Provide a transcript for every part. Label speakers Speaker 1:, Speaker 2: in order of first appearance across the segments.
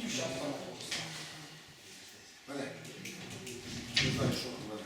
Speaker 1: зараз там.
Speaker 2: Не знаю, що говорити.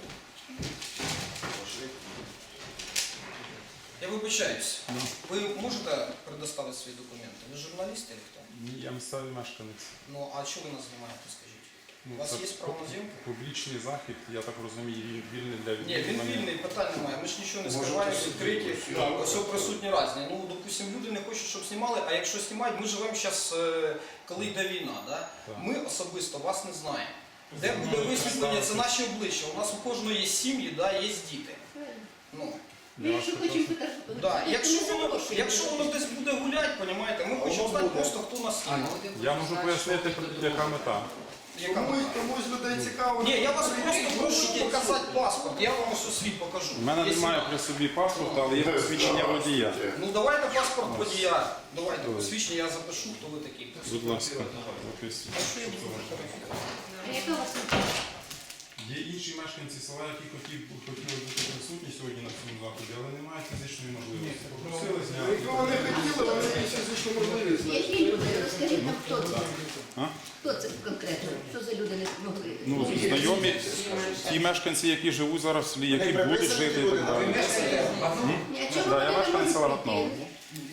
Speaker 1: Я вибачаюсь. Ви можете предоставити свої документи? Ви журналіст чи хто?
Speaker 3: Ні, я місцевий мешканець.
Speaker 1: Ну, а чого ви нас знімаєте, скажіть?
Speaker 3: Ну,
Speaker 1: У вас
Speaker 3: це
Speaker 1: є право на зйомку?
Speaker 3: Публічний захід, я так розумію, він вільний для
Speaker 1: Ні, він
Speaker 3: відвідування.
Speaker 1: вільний, питань немає. Ми ж нічого не
Speaker 2: Може,
Speaker 1: скриваємо,
Speaker 2: хтось
Speaker 1: відкриті.
Speaker 2: сидить,
Speaker 1: Ось присутні різні. Ну, допустим, люди не хочуть, щоб знімали, а якщо знімають, ми живемо зараз, коли йде війна. Да?
Speaker 3: Так.
Speaker 1: Ми особисто вас не знаємо. Де буде висвітлення, це наші обличчя. У нас у кожного є сім'ї, да, є діти. Ну,
Speaker 3: Для вас
Speaker 4: Якщо
Speaker 3: також.
Speaker 4: хочемо фотографувати,
Speaker 1: да.
Speaker 4: то
Speaker 1: Якщо воно десь буде гуляти, понімаєте, ми хочемо знати просто, хто нас знімає.
Speaker 3: Я можу пояснити, яка мета.
Speaker 1: Яка мета?
Speaker 2: Комусь людей цікаво.
Speaker 1: Ні, я вас просто прошу показати паспорт, я вам ось свій покажу.
Speaker 3: У мене
Speaker 1: Є
Speaker 3: немає
Speaker 1: сюди.
Speaker 3: при собі паспорта, але є посвідчення водія.
Speaker 1: Ну давайте паспорт водія. Давайте посвідчення, я запишу, хто ви такий.
Speaker 3: Будь ласка, записуйте.
Speaker 1: А що я буду фотографувати?
Speaker 4: Яка у вас мета?
Speaker 3: Є інші мешканці села, які хотіли бути присутні сьогодні на цьому заході, але не мають фізичної можливості. Попросили зняти.
Speaker 2: Якщо вони хотіли, вони є фізичну можливість.
Speaker 4: Які люди? Розкажіть нам, хто це?
Speaker 3: А?
Speaker 4: Хто це конкретно? Що за люди не могли?
Speaker 3: Ну, знайомі, ті мешканці, які живуть зараз в селі, які будуть жити і так далі.
Speaker 4: Ні, а чому
Speaker 3: Да,
Speaker 4: вони
Speaker 3: я
Speaker 4: не
Speaker 3: мешканець села
Speaker 4: можуть
Speaker 3: Гатного.
Speaker 4: прийти?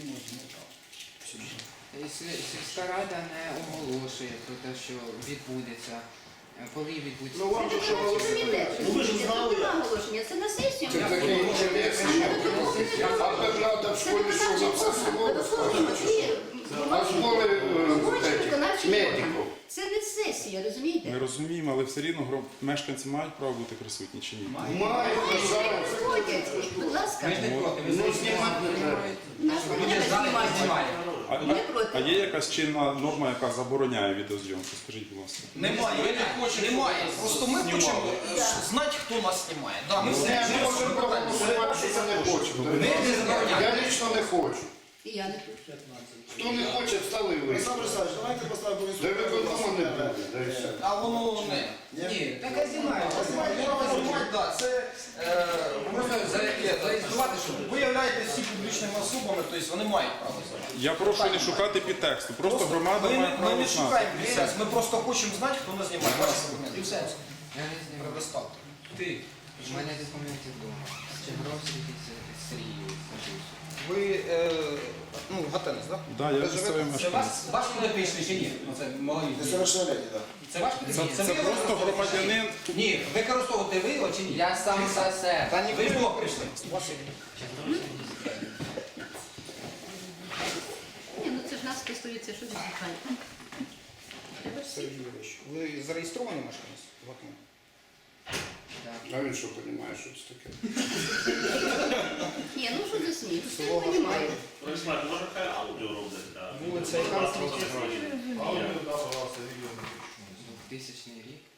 Speaker 5: Сільська рада не оголошує про те, що відбудеться, коли відбудеться.
Speaker 2: Ну вам же що
Speaker 4: Ви розумієте?
Speaker 2: Ну ви ж знали.
Speaker 4: Це не оголошення, це на сесію.
Speaker 2: Це таке інтересне. А Бernарда в школі що за все село розказує? А школи медиків.
Speaker 4: Це не сесія, розумієте?
Speaker 3: Ми розуміємо, але все рівно мешканці мають право бути присутні чи ні?
Speaker 2: Мають зараз.
Speaker 4: Приходять, будь ласка.
Speaker 2: Ну знімати не треба.
Speaker 4: Наш не знімати. Ми
Speaker 3: А
Speaker 4: проти.
Speaker 3: є якась чинна норма, яка забороняє відеозйомку? Скажіть, будь ласка.
Speaker 1: Немає, немає. Просто ми хочемо знати, хто нас знімає. Да, ми все
Speaker 2: Ми можемо проголосувати, що це не хочемо. Я лично не хочу.
Speaker 4: І я не тут.
Speaker 2: Хто не хоче, встали і вийшли.
Speaker 6: Олександр Олександрович, давайте поставимо
Speaker 2: Де виконкому не буде, де і все.
Speaker 1: А воно не.
Speaker 5: Ні, так а знімають.
Speaker 1: Право знімати, да, це можна зареєструвати, що ви являєтесь всі публічними особами, тобто вони мають право знімати.
Speaker 3: Я прошу не шукати підтексту, просто громада
Speaker 1: ми,
Speaker 3: має
Speaker 1: ми
Speaker 3: право
Speaker 1: не
Speaker 3: знати.
Speaker 1: шукаємо бізнес, ми просто хочемо знати, хто нас знімає. Ваші документи. І все.
Speaker 5: Я не знімаю.
Speaker 1: Предоставте. Ти.
Speaker 5: У мене документи вдома. Чебровський Сергій Сажусь.
Speaker 1: Ви, ну, Гатенець, так?
Speaker 3: Так, я місцевий
Speaker 7: Це
Speaker 3: мешканець.
Speaker 7: ваш підопічний чи ні? Оце малолітній.
Speaker 2: Несовершеннолетні, так.
Speaker 7: Це ваш
Speaker 3: Це
Speaker 7: підопічний?
Speaker 3: просто громадянин.
Speaker 7: Ні, використовувати ви його чи ні?
Speaker 5: Я сам за себе.
Speaker 1: Та ні,
Speaker 7: Ви ж блок прийшли.
Speaker 4: Ні, ну це ж нас стосується, що відбуває. Треба ж всі.
Speaker 1: Сергій Юрійович, ви зареєстровані мешканець? Гатенець?
Speaker 2: А він що розуміє, що це таке?
Speaker 4: Ні, ну що за сміх? Все я розумію.
Speaker 8: Олександр, може хай аудіо роблять?
Speaker 1: Вулиця яка?
Speaker 5: 2000 рік.